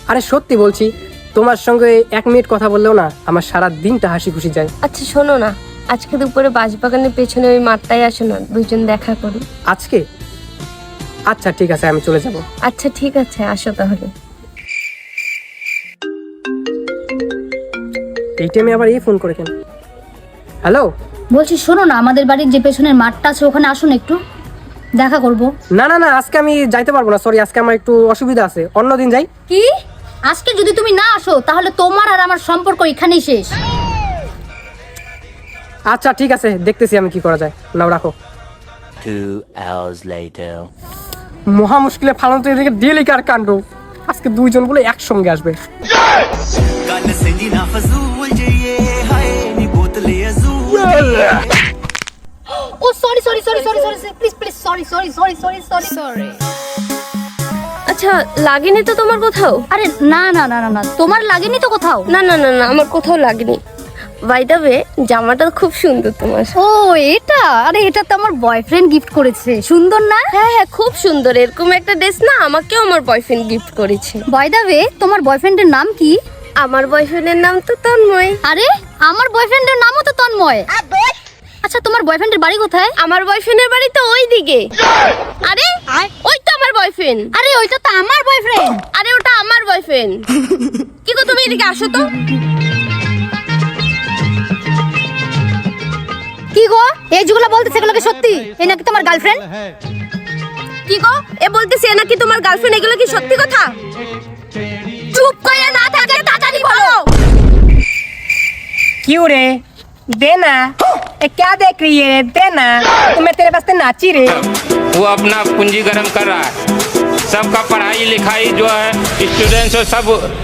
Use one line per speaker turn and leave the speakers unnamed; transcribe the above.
আরে সত্যি বলছি, তোমার সঙ্গে 1 মিনিট কথা বললেও না আমার সারা দিনটা হাসি খুশি যায়।
আচ্ছা শোনো না, আজকে দুপুরে বাঁশবাগানের পেছনে ওই মাঠটায় আসো না, দুইজন দেখা করি।
আজকে? আচ্ছা ঠিক আছে, আমি চলে যাব।
আচ্ছা ঠিক আছে, আসো তাহলে।
এই টাইমে আবার এই ফোন করে কেন? হ্যালো।
বলছি শোনো না, আমাদের বাড়ির যে পেছনের মাঠটা আছে ওখানে আসুন, একটু দেখা করব।
না না না, আজকে আমি যাইতে পারবো না, সরি, আজকে আমার একটু অসুবিধা আছে, অন্যদিন যাই।
কি? আজকে যদি তুমি না আসো তাহলে তোমার আর আমার সম্পর্ক এখানেই শেষ।
আচ্ছা ঠিক আছে, দেখতেছি আমি কি করা যায়। নাও রাখো।
2 hours later.
মহা মুশকিলে ফালন তো এদিকে ডেলিকার কাণ্ড। আজকে দুইজন বলে একসঙ্গে আসবে।
ও sorry sorry sorry sorry sorry please please sorry sorry sorry sorry sorry sorry.
আচ্ছা লাগেনি তো তোমার কোথাও?
আরে না না না না না, তোমার লাগেনি তো কোথাও?
না না না না, আমার কোথাও লাগেনি। বাই দ্য ওয়ে, জামাটা খুব সুন্দর তোমার।
ও এটা, আরে এটা তো আমার বয়ফ্রেন্ড গিফট করেছে। সুন্দর না?
হ্যাঁ হ্যাঁ, খুব সুন্দর। এরকম একটা ড্রেস না আমাকেও আমার বয়ফ্রেন্ড গিফট করেছে।
বাই দ্য ওয়ে, তোমার বয়ফ্রেন্ডের নাম কি?
আমার বয়ফ্রেন্ডের নাম তো তন্ময়।
আরে আমার বয়ফ্রেন্ডের নামও তো তন্ময়। আচ্ছা তোমার বয়ফ্রেন্ডের বাড়ি কোথায়?
আমার বয়ফ্রেন্ডের বাড়ি তো ওই দিকে। আরে ওই তো আমার বয়ফ্রেন্ড।
আরে ওইটা তো আমার বয়ফ্রেন্ড।
আরে ওটা আমার বয়ফ্রেন্ড। কি গো, তুমি এদিকে আসো তো।
কি গো, এই যেগুলো বলতেছে এগুলো কি সত্যি? এই নাকি তোমার গার্লফ্রেন্ড?
কি গো, এ বলতেছে এ নাকি তোমার গার্লফ্রেন্ড, এগুলো কি সত্যি কথা? চুপ করে না থাকে তাড়াতাড়ি বলো।
क्यों रे? देना। ए क्या देख रही है? देना। तो मैं तेरे वास्ते नाची रे।
वो अपना पूंजी गर्म कर रहा है। सबका पढ़ाई लिखाई जो है स्टूडेंट्स सब